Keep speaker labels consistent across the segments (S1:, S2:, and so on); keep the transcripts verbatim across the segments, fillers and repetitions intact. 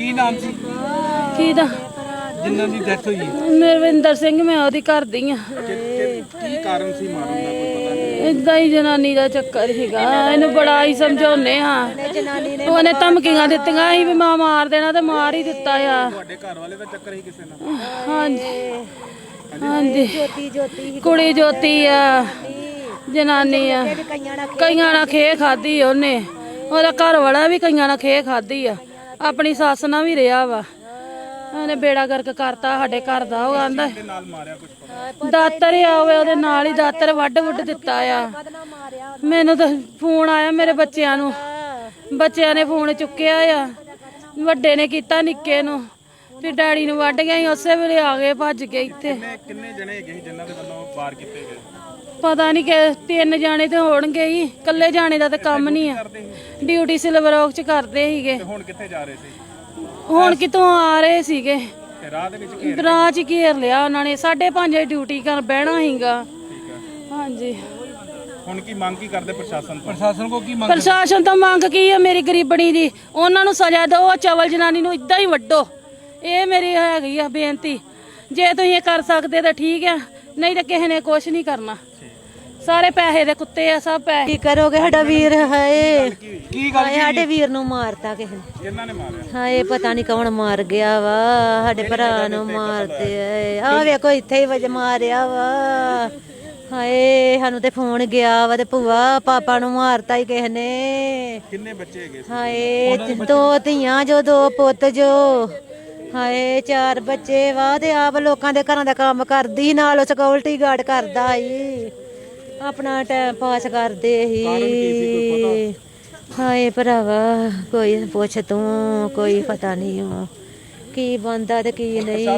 S1: ਕੀ ਨਾਮ ਸੀ
S2: ਕਿਹਦਾ
S1: ਜਿਨ੍ਹਾਂ ਦੀ ਡੈਥ ਹੋਈ?
S2: ਮਰਵਿੰਦਰ ਸਿੰਘ, ਮੈਂ ਉਹਦੀ ਘਰ ਦੀ ਆ।
S1: ਕੀ ਕਾਰਨ ਸੀ ਮਾਰਨ ਦਾ ਕੋਈ ਪਤਾ ਨਹੀਂ?
S2: ਏਦਾਂ ਹੀ ਜਨਾਨੀ ਦਾ ਚੱਕਰ ਸੀਗਾ। ਇਹਨੂੰ ਬੜਾ ਹੀ ਸਮਝਾਉਨੇ ਆ। ਉਹਨੇ ਧਮਕੀਆਂ ਦਿੱਤੀਆਂ ਸੀ ਵੀ ਮਾਂ ਮਾਰ ਦੇਣਾ ਤੇ ਮਾਰ ਹੀ ਦਿੱਤਾ ਆ।
S1: ਤੁਹਾਡੇ ਘਰ ਵਾਲੇ ਦਾ ਚੱਕਰ ਹੀ ਕਿਸੇ ਨਾਲ?
S2: ਹਾਂਜੀ ਹਾਂਜੀ, ਕੁੜੀ ਜੋਤੀ ਆ, ਜਨਾਨੀ ਆ। ਕਈਆਂ ਨਾਲ ਖੇ ਖਾਦੀ ਉਹਨੇ, ਉਹਦਾ ਘਰ ਵਾਲਾ ਵੀ ਕਈਆਂ ਨਾਲ ਖੇ ਖਾਦੀ ਆ। ਆਪਣੀ ਸੱਸ ਨਾਲ ਵੀ ਰਿਹਾ ਵਾ। ਉਹਨੇ ਬੇੜਾ ਗਰਕ ਕਰਤਾ ਸਾਡੇ ਘਰ ਦਾ। ਉਹ ਆਂਦਾ ਦਾਤਰ ਆਵੇ, ਉਹਦੇ ਨਾਲ ਹੀ ਦਾਤਰ ਵੱਢ ਵੁੱਢ ਦਿੱਤਾ ਆ। ਮੈਨੂੰ ਤਾਂ ਫੋਨ ਆਇਆ ਮੇਰੇ ਬੱਚਿਆਂ ਨੂੰ, ਬੱਚਿਆਂ ਨੇ ਫੋਨ ਚੁੱਕਿਆ ਆ। ਵੱਡੇ ਨੇ ਕੀਤਾ ਨਿੱਕੇ ਨੂੰ, ਫਿਰ ਡੈਡੀ ਨੂੰ ਵੱਢ ਗਿਆ ਸੀ। ਉਸੇ ਵੇਲੇ ਆ ਗਏ ਭੱਜ ਕੇ ਇੱਥੇ।
S1: ਕਿੰਨੇ ਜਣੇ ਹੈਗੇ ਸੀ ਜਿਨ੍ਹਾਂ ਦੇ ਵੱਲੋਂ ਵਾਰ ਕੀਤੇ ਗਏ?
S2: ਪਤਾ ਨਹੀਂ ਕਿ ਤਿੰਨ ਜਾਣੇ ਤੇ ਹੋਣਗੇ ਹੀ। ਇਕੱਲੇ ਜਾਣੇ ਦਾ ਤਾਂ ਕੰਮ ਨਹੀਂ ਆ। ਡਿਊਟੀ ਸਿਲਵਰ ਔਕ ਚ ਕਰਦੇ ਸੀਗੇ।
S1: ਹੁਣ ਕਿੱਥੇ ਜਾ ਰਹੇ ਸੀ?
S2: ਹੁਣ ਕਿਤੋਂ ਆ ਰਹੇ ਸੀਗੇ,
S1: ਰਾਹ ਦੇ ਵਿੱਚ
S2: ਰਾਹ ਚ ਘੇਰ ਲਿਆ ਉਹਨਾਂ ਨੇ। ਸਾਢੇ ਪੰਜ ਵਜੇ ਡਿਊਟੀ ਕਰ ਬਹਿਣਾ ਸੀਗਾ। ਹਾਂਜੀ,
S1: ਹੁਣ ਕੀ ਮੰਗ ਕੀ ਕਰਦੇ ਪ੍ਰਸ਼ਾਸਨ ਤੋਂ? ਪ੍ਰਸ਼ਾਸਨ ਕੋ ਕੀ ਮੰਗ?
S2: ਪ੍ਰਸ਼ਾਸਨ ਤੋਂ ਮੰਗ ਕੀ ਆ? ਮੇਰੀ ਗਰੀਬਣੀ ਦੀ ਉਹਨਾਂ ਨੂੰ ਸਜ਼ਾ ਦਿਓ। ਚਵਲ ਜਨਾਨੀ ਨੂੰ ਇਦਾਂ ਹੀ ਵੱਢੋ। ਇਹ ਮੇਰੀ ਹੈਗੀ ਆ ਬੇਨਤੀ। ਜੇ ਤੁਸੀਂ ਇਹ ਕਰ ਸਕਦੇ ਤਾਂ ਠੀਕ ਆ, ਨਹੀਂ ਤਾਂ ਕਿਸੇ ਨੇ ਕੁਛ ਨਹੀਂ ਕਰਨਾ। ਸਾਰੇ ਪੈਸੇ ਦੇ ਕੁੱਤੇ ਆ, ਸਭ ਪੈਸੇ।
S3: ਕੀ ਕਰੋਗੇ? ਸਾਡਾ ਵੀਰ ਹਾਏ,
S1: ਕੀ ਗੱਲ?
S3: ਸਾਡੇ ਵੀਰ ਨੂੰ ਮਾਰਤਾ ਕਿਸੇ ਨੇ।
S1: ਕਿਹਨਾਂ ਨੇ ਮਾਰਿਆ?
S3: ਹਾਏ ਪਤਾ ਨਹੀਂ ਕੌਣ ਮਾਰ ਗਿਆ ਵਾ। ਸਾਡੇ ਭਰਾ ਨੂੰ ਮਾਰਤੇ ਆ। ਵੇਖੋ ਇੱਥੇ ਹੀ ਵਜ ਮਾਰਿਆ ਵਾ। ਹਾਏ ਸਾਨੂੰ ਤੇ ਫੋਨ ਗਿਆ ਵਾ ਤੇ ਭੂਆ ਪਾਪਾ ਨੂੰ ਮਾਰਤਾ ਹੀ ਕਿਸੇ ਨੇ।
S1: ਕਿੰਨੇ ਬੱਚੇ ਹੈਗੇ?
S3: ਹਾਏ ਦੋ ਧੀਆਂ ਜੋ, ਦੋ ਪੁੱਤ ਜੋ। ਹਾਏ ਚਾਰ ਬੱਚੇ ਵਾ ਤੇ ਆਪ ਲੋਕਾਂ ਦੇ ਘਰਾਂ ਦਾ ਕੰਮ ਕਰਦੀ, ਨਾਲ ਸਿਕਿਉਰਿਟੀ ਗਾਰਡ ਕਰਦਾ ਸੀ। ਆਪਣਾ ਟਾਈਮ ਪਾਸ ਕਰਦੇ ਸੀ। ਹਾਏ ਭਰਾਵਾ ਕੋਈ ਪੁੱਛ ਤੂੰ, ਕੋਈ ਪਤਾ ਨਹੀਂ ਉਹ ਕੀ ਬੰਦਾ ਤੇ ਕੀ ਨਹੀਂ।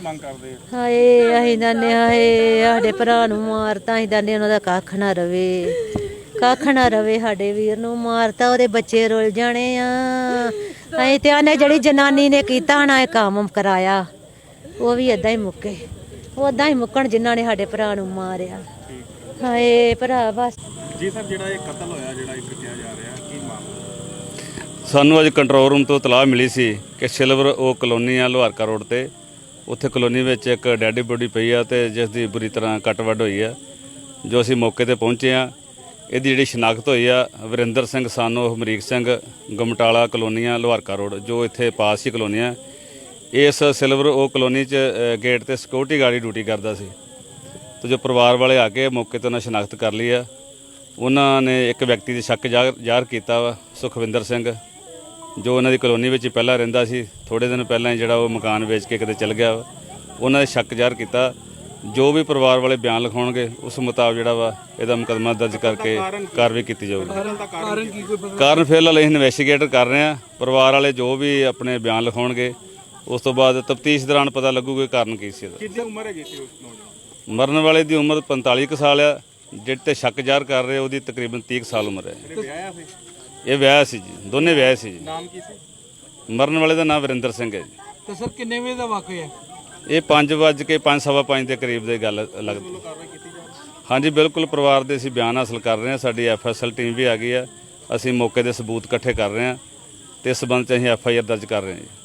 S3: ਹਾਏ ਅਸੀਂ ਦੰਨੇ ਹਾਏ ਸਾਡੇ ਭਰਾ ਨੂੰ ਮਾਰਤਾ। ਅਸੀਂ ਦੰਨੇ ਉਹਨਾਂ ਦਾ ਕੱਖ ਨਾ ਰਵੇ, ਕੱਖ ਨਾ ਰਵੇ। ਸਾਡੇ ਵੀਰ ਨੂੰ ਮਾਰਤਾ, ਉਹਦੇ ਬੱਚੇ ਰੁੱਲ ਜਾਣੇ ਆ। ਅਸੀਂ ਤੇ ਆਨੇ ਜਿਹੜੀ ਜਨਾਨੀ ਨੇ ਕੀਤਾ ਨਾ ਇਹ ਕੰਮ ਕਰਾਇਆ, ਉਹ ਵੀ ਏਦਾਂ ਹੀ ਮੁੱਕੇ। ਓਦਾਂ ਹੀ ਮੁੱਕਣ ਜਿਨ੍ਹਾਂ ਨੇ ਸਾਡੇ ਭਰਾ ਨੂੰ ਮਾਰਿਆ। ਹਾਏ ਭਰਾ ਬਸ
S1: ਜੀ ਸਰ, ਜਿਹੜਾ ਇਹ ਕਤਲ ਹੋਇਆ, ਜਿਹੜਾ ਇੱਕ ਕਿਹਾ ਜਾ ਰਿਹਾ, ਕੀ ਮਾਮਲਾ?
S4: ਸਾਨੂੰ ਅੱਜ ਕੰਟਰੋਲ ਰੂਮ ਤੋਂ ਇਤਲਾਹ ਮਿਲੀ ਸੀ ਕਿ ਸਿਲਵਰ ਉਹ ਕਲੋਨੀ ਆ ਲੋਹਾਰਕਾ ਰੋਡ ਤੇ। ਉੱਥੇ ਕਲੋਨੀ ਵਿੱਚ ਇੱਕ ਡੈਡੀ ਬੋਡੀ ਪਈ ਆ ਤੇ ਜਿਸ ਦੀ ਬੁਰੀ ਤਰ੍ਹਾਂ ਕੱਟ ਵੱਢ ਹੋਈ ਆ। ਜੋ ਅਸੀਂ ਮੌਕੇ ਤੇ ਪਹੁੰਚੇ ਆ, ਇਹਦੀ ਜਿਹੜੀ ਸ਼ਨਾਖਤ ਹੋਈ ਆ ਵਰਿੰਦਰ ਸਿੰਘ ਸਾਨੋ ਹਮਰੀਕ ਸਿੰਘ, ਗਮਟਾਲਾ ਕਲੋਨੀਆਂ ਲੋਹਾਰਕਾ ਰੋਡ, ਜੋ ਇੱਥੇ ਪਾਸ ਹੀ ਕਲੋਨੀ ਆ। ਇਸ ਸਿਲਵਰ ਉਹ ਕਲੋਨੀ 'ਚ ਗੇਟ ਤੇ ਸਿਕਿਉਰਿਟੀ ਗਾਰਡ ਡਿਊਟੀ ਕਰਦਾ ਸੀ। ਤੇ ਜੋ ਪਰਿਵਾਰ ਵਾਲੇ ਆ ਕੇ ਮੌਕੇ ਤੇ ਉਹਨਾਂ ਸ਼ਨਾਖਤ ਕਰ ਲਈ ਆ। ਉਹਨਾਂ ਨੇ ਇੱਕ ਵਿਅਕਤੀ ਦੇ ਸ਼ੱਕ ਜ਼ਾਹਰ ਕੀਤਾ ਵਾ, ਸੁਖਵਿੰਦਰ ਸਿੰਘ, ਜੋ ਉਹਨਾਂ ਦੀ ਕਲੋਨੀ ਵਿੱਚ ਹੀ ਪਹਿਲਾਂ ਰਹਿੰਦਾ ਸੀ। ਥੋੜ੍ਹੇ ਦਿਨ ਪਹਿਲਾਂ ਹੀ ਜਿਹੜਾ ਉਹ ਮਕਾਨ ਵੇਚ ਕੇ ਕਿਤੇ ਚਲ ਗਿਆ ਵਾ। ਉਹਨਾਂ ਦੇ ਸ਼ੱਕ ਜ਼ਾਹਰ ਕੀਤਾ। ਜੋ ਵੀ ਪਰਿਵਾਰ ਵਾਲੇ ਬਿਆਨ ਲਿਖਾਉਣਗੇ ਉਸ ਮੁਤਾਬਕ ਜਿਹੜਾ ਵਾ ਇਹਦਾ ਮੁਕੱਦਮਾ ਦਰਜ ਕਰਕੇ ਕਾਰਵਾਈ ਕੀਤੀ ਜਾਊਗੀ। ਕਾਰਨ ਫਿਲਹਾਲ ਅਸੀਂ ਇਨਵੈਸਟੀਗੇਟ ਕਰ ਰਹੇ ਹਾਂ। ਪਰਿਵਾਰ ਵਾਲੇ ਜੋ ਵੀ ਆਪਣੇ ਬਿਆਨ ਲਿਖਾਉਣਗੇ ਉਸ ਤੋਂ ਬਾਅਦ ਤਫਤੀਸ਼ ਦੌਰਾਨ ਪਤਾ ਲੱਗੂਗਾ ਕਾਰਨ ਕੀ ਸੀ ਇਹਦਾ।
S1: ਕਿੰਨੀ ਉਮਰ ਹੈਗੀ ਸੀ ਉਸ ਨੌਜਵਾਨ?
S4: ਮਰਨ ਵਾਲੇ ਦੀ ਉਮਰ ਪੰਤਾਲੀ ਕੁ ਸਾਲ ਆ। ਜਿਹੜੇ ਤੇ ਸ਼ੱਕ ਜ਼ਾਹਰ ਕਰ ਰਹੇ ਉਹਦੀ ਤਕਰੀਬਨ ਤੀਹ ਸਾਲ ਉਮਰ ਹੈ। ਇਹ ਵਿਆਹ ਸੀ ਜੀ, ਦੋਨੇ ਵਿਆਹ ਸੀ ਜੀ।
S1: ਨਾਮ ਕੀ ਸੀ?
S4: ਮਰਨ ਵਾਲੇ ਦਾ ਨਾਮ ਵਰਿੰਦਰ ਸਿੰਘ ਹੈ ਜੀ।
S1: ਤੇ ਸਰ ਕਿੰਨੇ ਵਜੇ ਦਾ ਵਾਕਿਆ ਹੈ
S4: ਇਹ? ਪੰਜ ਵੱਜ ਕੇ ਪੰਜ ਸਵਾ ਪੰਜ ਦੇ ਕਰੀਬ ਦੀ ਗੱਲ ਲੱਗਦੀ। ਹਾਂਜੀ ਬਿਲਕੁਲ, ਪਰਿਵਾਰ ਦੇ ਅਸੀਂ ਬਿਆਨ ਹਾਸਲ ਕਰ ਰਹੇ ਹਾਂ। ਸਾਡੀ ਐਫ ਐਸ ਐਲ ਟੀਮ ਵੀ ਆ ਗਈ ਆ। ਅਸੀਂ ਮੌਕੇ ਦੇ ਸਬੂਤ ਇਕੱਠੇ ਕਰ ਰਹੇ ਹਾਂ ਤੇ ਇਸ ਸੰਬੰਧ 'ਚ ਅਸੀਂ ਐਫ ਆਈ ਆਰ ਦਰਜ ਕਰ ਰਹੇ ਹਾਂ ਜੀ।